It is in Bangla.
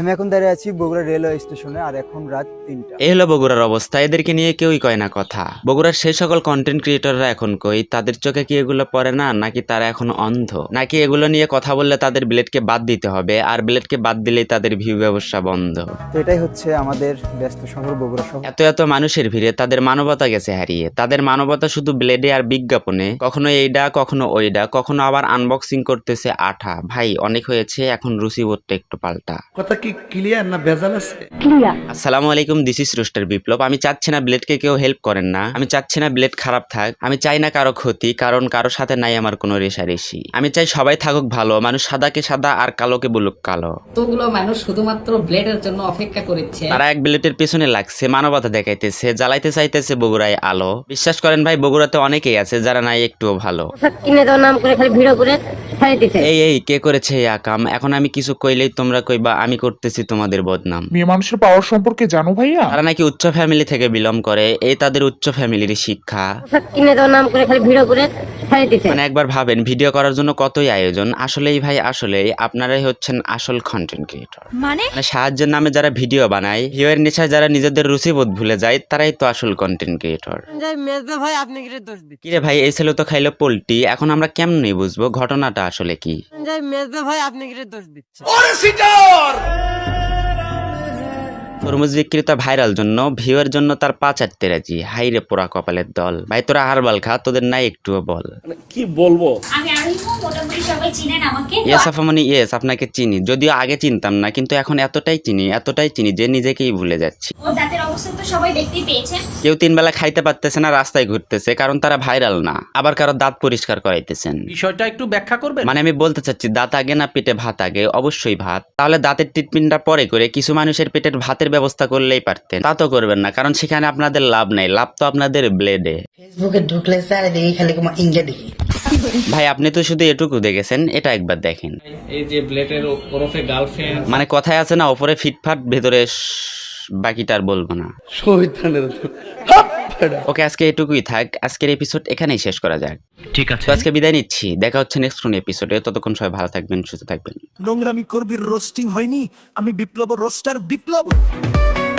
আমি এখন দাঁড়িয়ে আছি বগুড়া রেলওয়ে স্টেশনে, আর এখন রাত 3টা। এই হলো বগুড়ার অবস্থা। এদেরকে নিয়ে কেউই কয় না কথা। বগুড়ার সেই সকল কন্টেন্ট ক্রিয়েটররা এখন কই, তাদের চোখে কি এগুলো পড়ে না, নাকি তারা এখন অন্ধ, নাকি এগুলো নিয়ে কথা বললে তাদের ব্লেডকে বাদ দিতে হবে, আর ব্লেডকে বাদ দিলেই তাদের ভিউ ব্যবসা বন্ধ। তো এটাই হচ্ছে আমাদের ব্যস্ত শহর বগুড়া শহর। এত এত মানুষের ভিড়ে তাদের মানবতা গেছে হারিয়ে। তাদের মানবতা শুধু ব্লেডে আর বিজ্ঞাপনে, কখনো এইডা কখনো ওইডা, কখনো আবার আনবক্সিং করতেছে আঠা। ভাই অনেক হয়েছে, এখন রুচিবোধটা একটু পাল্টা। কথা কি ক্লিয়ার না ভেজাল আছে? আসসালামু আলাইকুম, দিস ইজ রোস্টার বিপ্লব। আমি চাচ্ছি না ব্লেডকে কেউ হেল্প করেন না, আমি চাচ্ছি না ব্লেড খারাপ থাক, আমি চাই না কারো ক্ষতি, কারণ কারোর সাথে নাই আমার কোনো রেশারেশি। আমি চাই সবাই থাকুক ভালো, মানুষ সাদাকে সাদা আর কালোকে বলুক কালো। কতগুলো মানুষ শুধুমাত্র ব্লেডের জন্য অপেক্ষা করেছে। তারা এক ব্লেডের পেছনে লাগছে, মানবতা দেখাইতেছে, জ্বালাইতে চাইতেছে বগুড়ায় আলো। বিশ্বাস করেন ভাই, বগুড়াতে অনেকেই আছে যারা নাই একটুও ভালো। কিনে দেওয়ার নাম করে খালি ভিডিও করে ছাড়িয়ে দিছে। এই কে করেছে এই আকাম? এখন আমি কিছু কইলেই তোমরা কইবা আমি করতেছি তোমাদের বদনাম। মেয়ে মানুষের পাওয়ার সম্পর্কে জানো ভাইয়া? তারা নাকি উচ্চ ফ্যামিলি থেকে বিলং করে, এই তাদের উচ্চ ফ্যামিলির শিক্ষা। কিনে দেওয়ার নাম করে খালি ভিডিও করে ছাড়িয়ে দিছে। মানে একবার ভাবেন, ভিডিও করার জন্য কতই আয়োজন। আসলেই ভাই, আসলেই আপনারাই হচ্ছেন আসল কন্টেন্ট ক্রিয়েটর। মানে সাহায্যের নামে যারা ভিডিও বানায়, ভিউয়ের নেশায় যারা নিজেদের রুচিবোধ ভুলে যায়, তারাই তো আসল কন্টেন্ট ক্রিয়েটর। ভাই আপনি কি দোষ দিচ্ছেন? কিরে ভাই, এই ছেলে তো খাইলো পোল্টি, এখন আমরা কেমনে বুঝবো ঘটনাটা আসলে কি? ভাই আপনি কি দোষ দিচ্ছেন? তরমুজ বিক্রেতা ভাইরাল জন্য, ভিউয়ের জন্য তার পা চাটতে রাজি। হাইরে পোড়া কপালের দল। ভাই তোরা হারবাল খা, তোদের নাই একটুও বল। কি বলবো? আমি আরিফও, মোটামুটি সবাই চিনেন আমাকে। ইয়েস আফামনি, ইয়েস আপনাকে চিনি, যদিও আগে চিনতাম না, কিন্তু এখন এতটাই চিনি যে নিজেকেই ভুলে যাচ্ছি। ও দাঁতের অবস্থা তো সবাই দেখতেই পেয়েছেন। কেউ 3 বেলা খাইতে পারতেছে না, রাস্তায় ঘুরতেছে, কারণ তারা ভাইরাল না। আবার কারো দাঁত পরিষ্কার করাইতেছেন। বিষয়টা একটু ব্যাখ্যা করবেন? মানে আমি বলতে চাচ্ছি, দাঁত আগে না পেটে ভাত আগে? অবশ্যই ভাত। তাহলে দাঁতের ট্রিটমেন্টটা পরে করে কিছু মানুষের পেটের ভাতের ব্যবস্থা করলেই পারতেন। তা তো করবেন না, কারণ সেখানে আপনাদের লাভ নাই, লাভ তো আপনাদের ব্লেডে। ফেসবুকে ঢুকলে স্যার দেখি খালি তোমার ইঙ্গে দেখি। ভাই আপনি তো শুধু এটুকু দেখেছেন, এটা একবার দেখেন। এই যে ব্লেডের ওরফে গার্লফ্রেন্ড, মানে কথায় আছে না, ওপরে ফিটফাট ভেতরে বাকিটা আর বলবো না। ওকে, আজকে এটুকুই থাক। আজকের এপিসোড এখানেই শেষ করা যাক, ঠিক আছে? আজকে বিদায় নিচ্ছি, দেখা হচ্ছে নেক্সট কোন এপিসোডে। ততক্ষণ সবাই ভালো থাকবেন, সুস্থ থাকবেন। নোংরামি করবি, রোস্টিং হয়নি। আমি বিপ্লব, রোস্টার বিপ্লব।